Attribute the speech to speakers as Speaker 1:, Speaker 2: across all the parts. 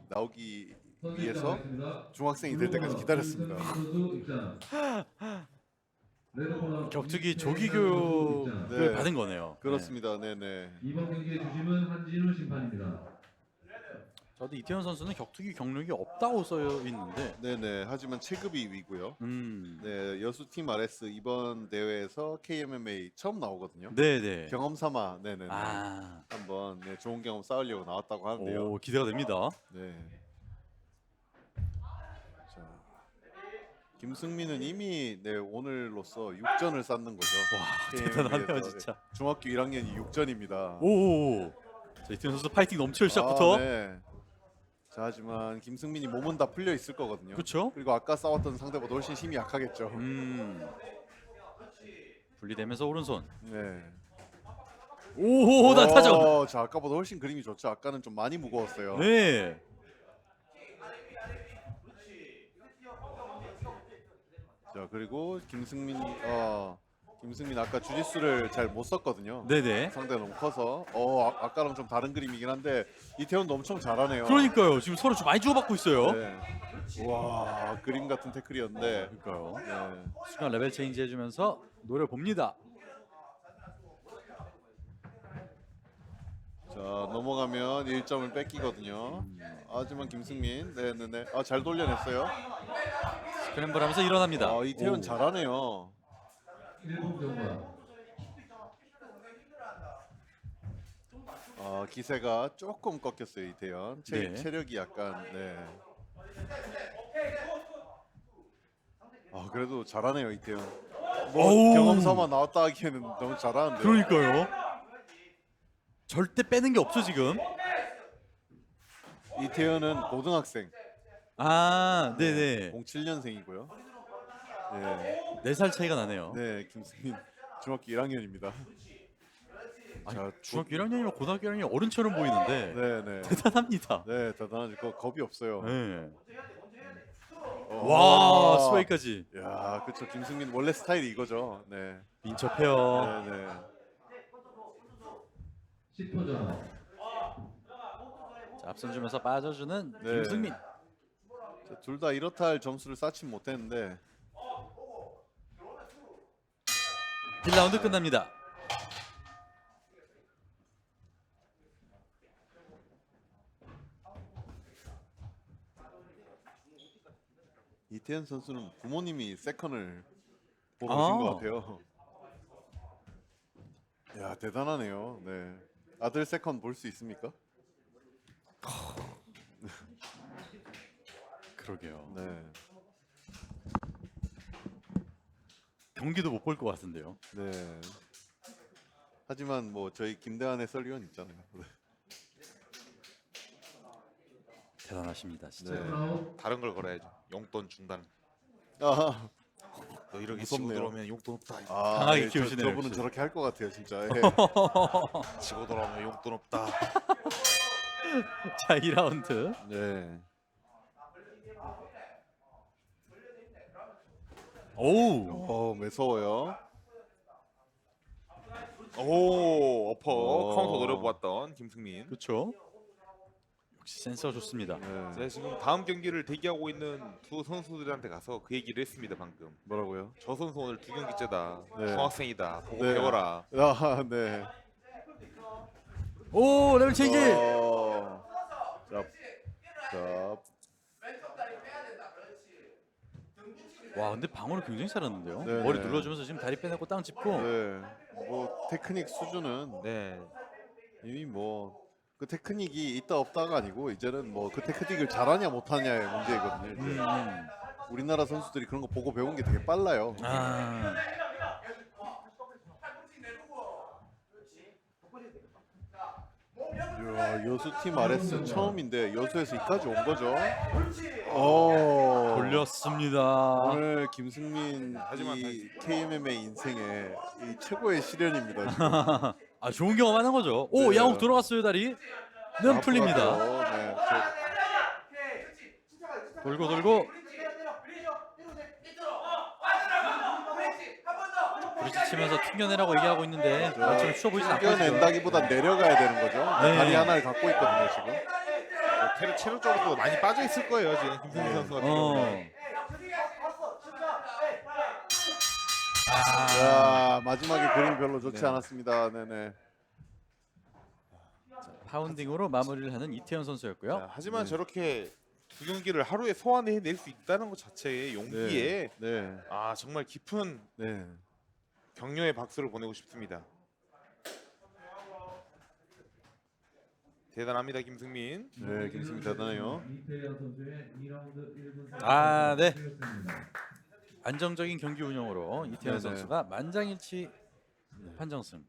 Speaker 1: 나오기 위해서 중학생이 될 때까지 기다렸습니다.
Speaker 2: 격투기 조기 교육을
Speaker 1: 네.
Speaker 2: 받은 거네요.
Speaker 1: 그렇습니다. 네네.
Speaker 3: 이번 경기의 주심은 한진우 심판입니다.
Speaker 2: 저도 이태현 선수는 격투기 경력이 없다고 써여 있는데.
Speaker 1: 네네. 하지만 체급이 위고요. 네, 여수팀 RS 이번 대회에서 KMMA 처음 나오거든요.
Speaker 2: 네네.
Speaker 1: 경험 삼아 네네.
Speaker 2: 아,
Speaker 1: 한번 네, 좋은 경험 쌓으려고 나왔다고 하는데요.
Speaker 2: 오 기대가 됩니다.
Speaker 1: 네. 자, 김승민은 이미 네, 오늘로써 6전을 쌓는 거죠.
Speaker 2: 와
Speaker 1: KMMA 에서.
Speaker 2: 대단하네요 진짜.
Speaker 1: 중학교 1학년이 6전입니다.
Speaker 2: 오. 자 이태현 선수 파이팅 넘칠 시작부터.
Speaker 1: 네. 자, 하지만 김승민이 몸은 다 풀려 있을 거거든요.
Speaker 2: 그렇죠.
Speaker 1: 그리고 아까 싸웠던 상대보다 훨씬 힘이 약하겠죠.
Speaker 2: 분리되면서 오른손.
Speaker 1: 네.
Speaker 2: 오, 나타죠.
Speaker 1: 자, 아까보다 훨씬 그림이 좋죠. 아까는 좀 많이 무거웠어요.
Speaker 2: 네.
Speaker 1: 자, 그리고 김승민 아까 주짓수를 잘 못 썼거든요.
Speaker 2: 네네.
Speaker 1: 상대가 너무 커서 아까랑 좀 다른 그림이긴 한데 이태원도 엄청 잘하네요.
Speaker 2: 그러니까요. 지금 서로 좀 많이 주고받고 있어요.
Speaker 1: 네. 와, 그림 같은 태클이었는데.
Speaker 2: 그러니까요.
Speaker 1: 네.
Speaker 2: 순간 레벨 체인지 해주면서 노려 봅니다.
Speaker 1: 자, 넘어가면 1점을 뺏기거든요. 하지만 김승민, 네네네, 잘 돌려냈어요.
Speaker 2: 스크램블하면서 일어납니다.
Speaker 1: 이태원
Speaker 2: 오.
Speaker 1: 잘하네요.
Speaker 3: 1분 경과.
Speaker 1: 기세가 조금 꺾였어요 이태원.
Speaker 2: 네.
Speaker 1: 체력이 약간 네. 그래도 잘하네요 이태원.
Speaker 2: 오우.
Speaker 1: 경험 삼아 나왔다 하기에는 너무 잘하는데.
Speaker 2: 그러니까요. 절대 빼는 게 없어 지금.
Speaker 1: 이태원은 고등학생.
Speaker 2: 아, 네네.
Speaker 1: 07년생이고요. 네.
Speaker 2: 4살 차이가 나네요.
Speaker 1: 네, 김승민 중학교 1학년입니다. 자,
Speaker 2: 중학교 1학년이면 고등학교 1학년이 어른처럼 보이는데
Speaker 1: 네네.
Speaker 2: 대단합니다.
Speaker 1: 네, 대단하지. 겁이 없어요.
Speaker 2: 네.
Speaker 1: 와,
Speaker 2: 와, 스웨이까지.
Speaker 1: 야, 그렇죠. 김승민 원래 스타일이 이거죠. 네.
Speaker 2: 민첩해요.
Speaker 1: 네네.
Speaker 3: 10호전.
Speaker 2: 자, 앞선 주면서 빠져주는
Speaker 1: 네.
Speaker 2: 김승민.
Speaker 1: 둘 다 이렇다 할 점수를 쌓진 못했는데
Speaker 2: 1라운드 끝납니다.
Speaker 1: 이태현 선수는 부모님이 세컨을 보러 오신 것 같아요. 야, 대단하네요. 네. 아들 세컨 볼 수 있습니까?
Speaker 2: 그러게요.
Speaker 1: 네.
Speaker 2: 경기도 못 볼 것 같은데요.
Speaker 1: 네. 하지만 뭐 저희 김대한 해설위원 있잖아요. 네.
Speaker 2: 대단하십니다, 진짜.
Speaker 1: 네.
Speaker 3: 아웃.
Speaker 4: 다른 걸 걸어야죠. 용돈 중단.
Speaker 1: 아,
Speaker 4: 너 이렇게 치고
Speaker 1: 무섭네요.
Speaker 4: 들어오면 용돈 없다.
Speaker 2: 강하게
Speaker 1: 네,
Speaker 2: 키우시네요,
Speaker 1: 저분은
Speaker 2: 역시.
Speaker 1: 저렇게 할 것 같아요, 진짜. 예.
Speaker 4: 치고 들어오면 용돈 없다.
Speaker 2: 자, 2라운드.
Speaker 1: 네.
Speaker 2: 오우.
Speaker 1: 매서워요.
Speaker 4: 오, 어퍼
Speaker 1: 오.
Speaker 4: 카운터 노려보았던 김승민.
Speaker 2: 그렇죠. 역시 센서가 좋습니다.
Speaker 1: 네.
Speaker 4: 제가 지금 다음 경기를 대기하고 있는 두 선수들한테 가서 그 얘기를 했습니다 방금.
Speaker 1: 뭐라고요?
Speaker 4: 저 선수 오늘 두 경기째다.
Speaker 1: 네.
Speaker 4: 중학생이다. 보고
Speaker 1: 네.
Speaker 4: 배워라.
Speaker 1: 네.
Speaker 2: 오, 레벨 체인지.
Speaker 1: 자,
Speaker 2: 와, 근데 방어를 굉장히 잘하는데요.
Speaker 1: 네,
Speaker 2: 머리
Speaker 1: 네.
Speaker 2: 눌러주면서 지금 다리 빼내고 땅 짚고.
Speaker 1: 네. 뭐 테크닉 수준은
Speaker 4: 네.
Speaker 1: 이미 뭐 그 테크닉이 있다 없다가 아니고 이제는 뭐 그 테크닉을 잘하냐 못하냐의 문제이거든요. 이제. 우리나라 선수들이 그런 거 보고 배운 게 되게 빨라요.
Speaker 2: 아,
Speaker 1: 이야, 여수팀 RS 처음인데 여수에서 이까지 온 거죠.
Speaker 2: 돌렸습니다.
Speaker 1: 오늘 김승민
Speaker 4: 하지만
Speaker 1: 이 KMMA 인생의 이 최고의 시련입니다. 지금.
Speaker 2: 아, 좋은 경험하는 거죠. 오,
Speaker 1: 네.
Speaker 2: 양욱 들어갔어요, 다리. 는 풀립니다.
Speaker 1: 앞으로 네,
Speaker 2: 돌고 돌고. 부딪히면서 튕겨내라고 얘기하고 있는데 지금 쉬워 보이지 않고 있어요.
Speaker 1: 튕겨낸다기보다 내려가야 되는 거죠.
Speaker 2: 네.
Speaker 1: 다리 하나를 갖고 있거든요 지금.
Speaker 4: 체력적으로 많이 빠져 있을 거예요 지금 김승희 선수 같은 경우는.
Speaker 1: 야, 마지막에 그림이 별로 좋지
Speaker 2: 네.
Speaker 1: 않았습니다. 네네.
Speaker 2: 파운딩으로 마무리를 하는 이태현 선수였고요.
Speaker 4: 자, 하지만
Speaker 1: 네.
Speaker 4: 저렇게 두 경기를 하루에 소화해낼 수 있다는 것 자체의 용기에
Speaker 1: 네.
Speaker 4: 아 정말 깊은
Speaker 1: 네.
Speaker 4: 격려의 박수를 보내고 싶습니다. 대단합니다 김승민.
Speaker 1: 네, 김승민 대단해요.
Speaker 3: 이태현 선수의 2라운드 1분
Speaker 2: 아, 네.
Speaker 3: 되었습니다.
Speaker 2: 안정적인 경기 운영으로 이태현
Speaker 1: 네네.
Speaker 2: 선수가 만장일치 판정승.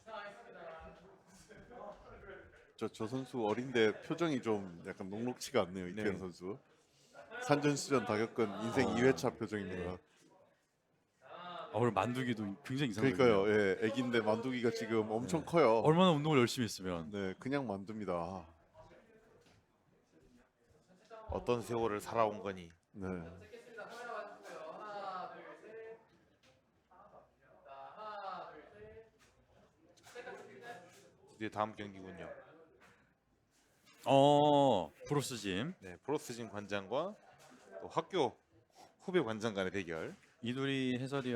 Speaker 1: 저 선수 어린데 표정이 좀 약간 녹록치가 않네요. 이태현
Speaker 4: 네.
Speaker 1: 선수. 산전수전 다 겪은 인생 2회차 표정입니다.
Speaker 2: 오늘 만두기도 굉장히 이상해요.
Speaker 1: 그러니까요. 예, 애기인데 만두기가 지금 엄청 커요.
Speaker 2: 얼마나 운동을 열심히 했으면.
Speaker 1: 네, 그냥 만두입니다.
Speaker 4: 어떤 세월을 살아온 거니.
Speaker 1: 네.
Speaker 4: 드디어 다음 경기군요.
Speaker 2: 브로스 짐.
Speaker 4: 네, 브로스진 관장과 또 학교 후배 관장 간의 대결.
Speaker 2: 이두리 해설위